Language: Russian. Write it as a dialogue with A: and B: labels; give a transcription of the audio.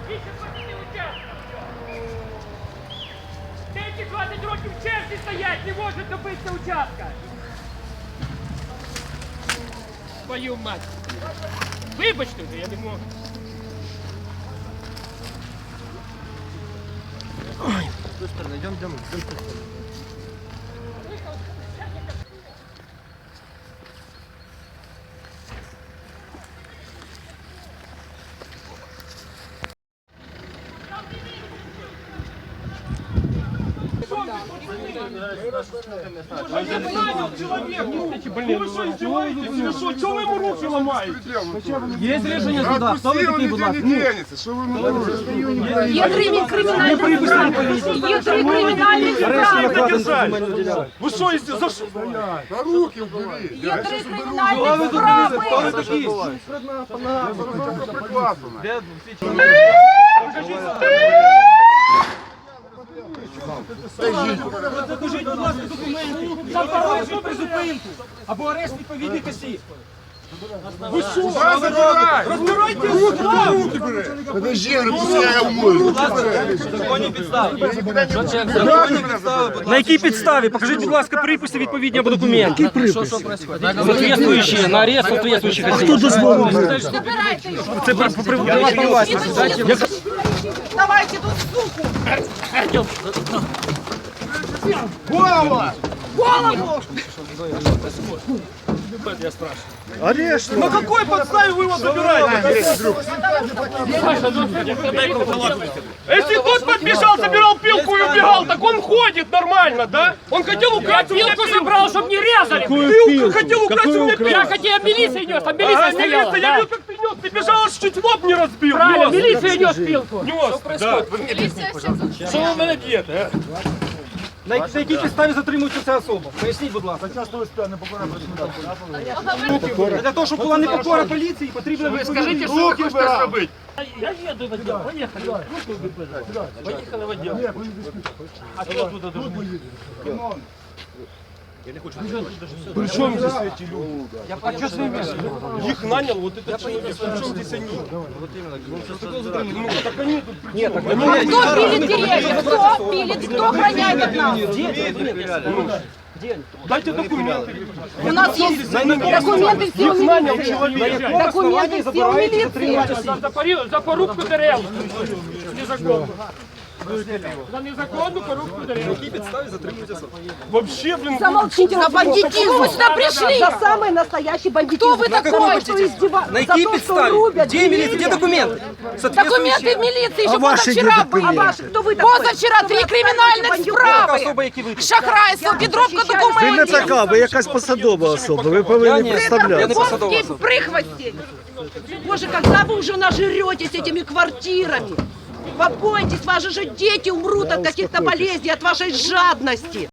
A: Деякі 20 років в черзі стоять, не можуть добитися участка. Твою мать. Вибачте вже, я не можу.
B: Ой, с той стороны, идем.
C: Чего вы ему руки ломаете?
B: Есть рішення суда. Хто ви такий, будь ласка?
D: Є три кримінальні справи.
C: Ви що, якщо за що?
E: На руки убери.
D: Є три кримінальні справи.
B: Хто ви такий?
C: Покажіть, будь ласка, документи. Запорожну призупинку. Або арешт відповідних осіб. Ви що? Розбирайте руки бери.
E: Подожди, пускай я умою.
B: Законні підстави.
F: На якій підставі? Покажіть, будь ласка, приписи відповідні або документи.
B: Що происходит?
F: Соответствующие, на арест соответствующих осіб. Хто дозволив?
D: Забирайте його.
F: Це приватна власність.
D: Давайте тут суку.
E: Голову!
D: Голову.
C: На какой подставе вы его забираете? Если тот подбежал, забирал пилку и убегал, так он ходит нормально, да? Он хотел украсть у меня
A: Пилку забрал, чтобы не резали.
C: пилку. Хотел украсть у меня пилку.
A: Я хотел, милиция нес, там милиция стояла.
C: Милиция, я видел, как ты нес. Ты бежал, аж чуть лоб не разбил.
A: Правильно,
C: Нес.
A: милиция нес пилку.
C: Нес, да. Что вы меня делаете, а?
F: На якій підставі затримується ця особа? Поясніть, будь ласка. Для того, щоб була непокора поліції, потрібно
C: Скажите, что вы хотите робити?
A: Я еду в отдел, поехали. Поехали в отдел.
C: А что туда должны? При чем здесь эти люди? А что с ними? Их нанял вот этот человек. При чем здесь они? Ну, так они тут при чем?
D: А кто пилит деревья? Кто пилит? Кто охраняет от нас?
C: Дайте документы.
D: У нас есть документы все у
C: Их нанял
D: милиции.
C: человек.
D: Документы все у милиции.
A: За порубку дерев. Незаконно. За незаконную порубку дерев.
C: Вообще, блин,
D: Замолчите, за бандитизм. Вы сюда пришли.
G: За самый настоящий бандитизм.
D: Кто вы такой?
F: На якій підставі? Де міліція? Де документи?
D: Документы в милиции еще позавчера были.
G: А ваши кто вы такой?
D: Позавчера 3 криминальных справы.
F: Особа, які ви?
D: Шахрайство, підробка
G: Ви не
D: документів.
G: така, ви якась посадова особа, ви повинні
F: Я
G: представляти.
F: не посадова
D: Конские
F: особа.
D: прихвости.
G: Боже, когда вы уже нажретесь этими квартирами? Побойтесь, ваши же дети умрут от каких-то болезней, от вашей жадности.